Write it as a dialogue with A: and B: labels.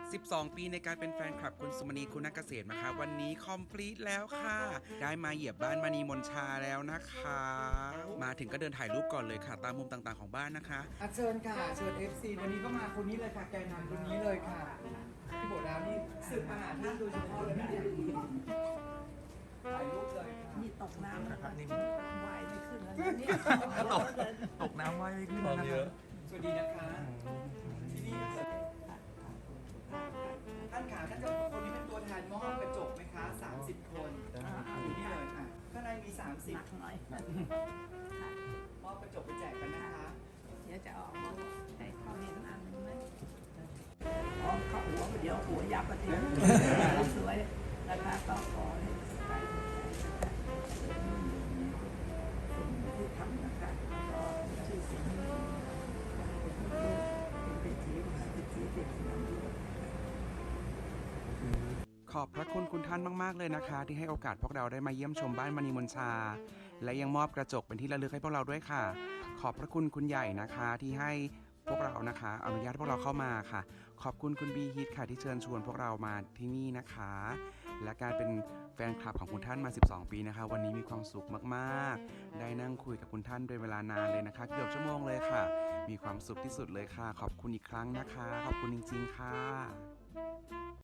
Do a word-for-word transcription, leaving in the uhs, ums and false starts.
A: สิบสอง ปีในการเป็นแฟนคลับคุณสุมณีคุณนักเกษตรนะคะวันนี้คอมพลีทแล้วค่ะ ได้มาเหยียบบ้านมณีมนชาแล้วนะคะ มาถึงก็เดินถ่ายรูปก่อนเลยค่ะ ตามมุมต่างๆของบ้านนะคะ
B: อ่ะเชิญค่ะเชิญ เอฟ ซี วันนี้ก็มาคนนี้เลยค่ะแกนนำคนนี้เลยค่ะพี่โบดานี่สืบมาหาท่านโดยเฉพาะเลยนะเนี่ยถ่ายรูปเลยค่ะ
C: นี่ตกน้ำนะครับนี่ว่ายไม่ขึ้นแล้วนี่
D: ตกตกน้ำว่ายไม่ขึ้นนะค
E: เย
D: รั
E: อะ
D: บ
B: สวัสดีนะคะที่นี่นะคะท่านขาท่านจะคนนี้เป็นตัวแทนมอบกระจกไหมคะสามสิบคนอยู่นี่เลยค่ะข้างในมีสามสิบ
C: หนักหน่อย
B: มอบกระจกไปแจกกันนะคะ
C: เดี๋ยวจะออกมาให้เขาเห็นอันหนึงไหมอ๋อเขาหัวเดี๋ยวหัวยับมาทีสวยนะคะก็ขอให้ใครสิ่งที่ทำนะคะก็ชื่อเสียงเป็นเศรษฐีมหาเศรษฐีเศรษฐีน้ำด้วย
A: ขอบพระคุณคุณท่านมากๆเลยนะคะ ที่ให้โอกาสพวกเราได้มาเยี่ยมชมบ้านมณีมนชา และยังมอบกระจกเป็นที่ระลึกให้พวกเราด้วยค่ะ ขอบพระคุณคุณใหญ่นะคะที่ให้พวกเรานะคะอนุญาตพวกเราเข้ามาค่ะ ขอบคุณคุณบีฮิตค่ะที่เชิญชวนพวกเรามาที่นี่นะคะ และการเป็นแฟนคลับของคุณท่านมา สิบสอง ปีนะคะ วันนี้มีความสุขมากๆ ได้นั่งคุยกับคุณท่านเป็นเวลานานเลยนะคะ เกือบชั่วโมงเลยค่ะ มีความสุขที่สุดเลยค่ะ ขอบคุณอีกครั้งนะคะ ขอบคุณจริงๆค่ะ